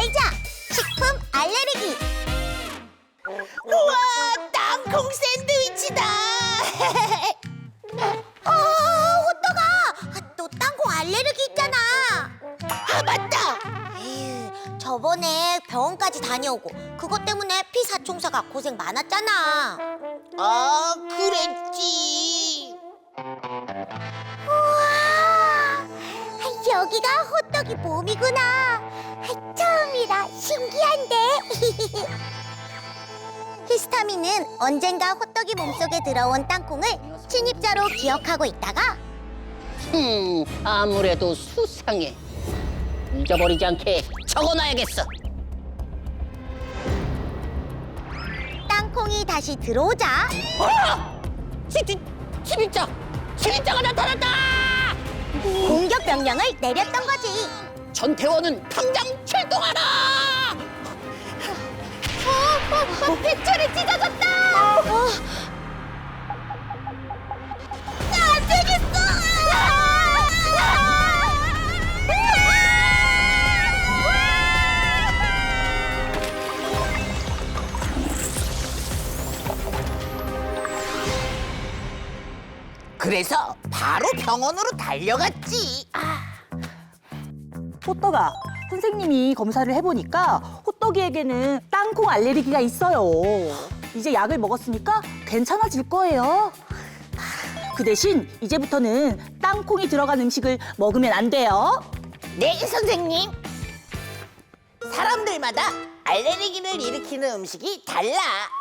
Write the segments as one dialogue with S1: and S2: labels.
S1: 알자! 식품 알레르기!
S2: 우와, 땅콩 샌드위치다.
S1: 호떡아! 너 땅콩 알레르기 있잖아!
S2: 아, 맞다.
S1: 에휴, 저번에 병원까지 다녀오고 그것 때문에 피사총사가 고생 많았잖아.
S2: 아, 그랬지.
S1: 우와! 여기가 호떡이 몸이구나. 처음이라 신기한데. 히스타민은 언젠가 호떡이 몸속에 들어온 땅콩을 침입자로 기억하고 있다가
S3: 아무래도 수상해. 잊어버리지 않게 적어놔야겠어.
S1: 땅콩이 다시 들어오자
S3: 침입자가 나타났다!
S1: 공격 명령을 내렸던 거지.
S3: 전태원은 당장 출동하라!
S1: 빗줄이 찢어졌다. 안 되겠어.
S2: 그래서 바로 병원으로 달려갔지.
S4: 호떡아, 선생님이 검사를 해보니까 호떡이에게는 땅콩 알레르기가 있어요. 이제 약을 먹었으니까 괜찮아질 거예요. 그 대신 이제부터는 땅콩이 들어간 음식을 먹으면 안 돼요.
S2: 네, 선생님. 사람들마다 알레르기를 일으키는 음식이 달라.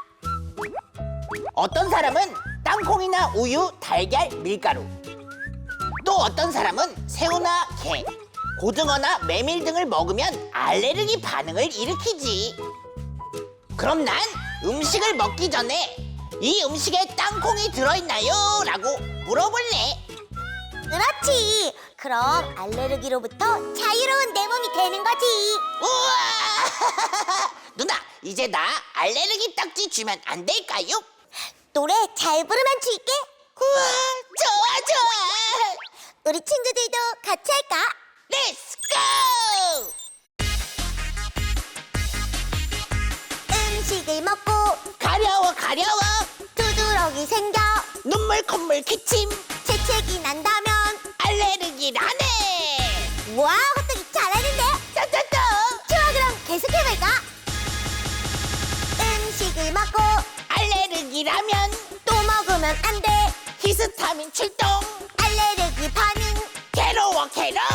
S2: 어떤 사람은 땅콩이나 우유, 달걀, 밀가루. 또 어떤 사람은 새우나 게, 고등어나 메밀 등을 먹으면 알레르기 반응을 일으키지. 그럼 난 음식을 먹기 전에 이 음식에 땅콩이 들어있나요? 라고 물어볼래.
S1: 그렇지. 그럼 알레르기로부터 자유로운 내 몸이 되는 거지.
S2: 우와! 누나, 이제 나 알레르기 딱지 주면 안 될까요?
S1: 노래 잘 부르면 줄게.
S2: 우와, 좋아, 좋아.
S1: 우리 친구들도 같이 할까?
S2: 렛츠 고!
S1: 음식을 먹고
S2: 가려워, 가려워.
S1: 두드러기 생겨
S2: 눈물 콧물 기침.
S1: 재채기 난다면
S2: 알레르기라네.
S1: 와, 호떡이 잘하는데?
S2: 짜짜짜.
S1: 좋아, 그럼 계속해볼까? 음식을 먹고
S2: 알레르기라면
S1: 또 먹으면 안 돼.
S2: 히스타민 출동.
S1: 알레르기 반응.
S2: 괴로워, 괴로워.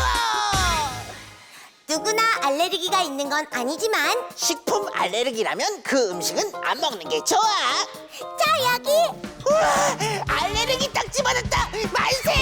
S1: 누구나 알레르기가 있는 건 아니지만
S2: 식품 알레르기라면 그 음식은 안 먹는 게 좋아.
S1: 자, 여기
S2: 우와, 알레르기 딱지 받았다. 만세!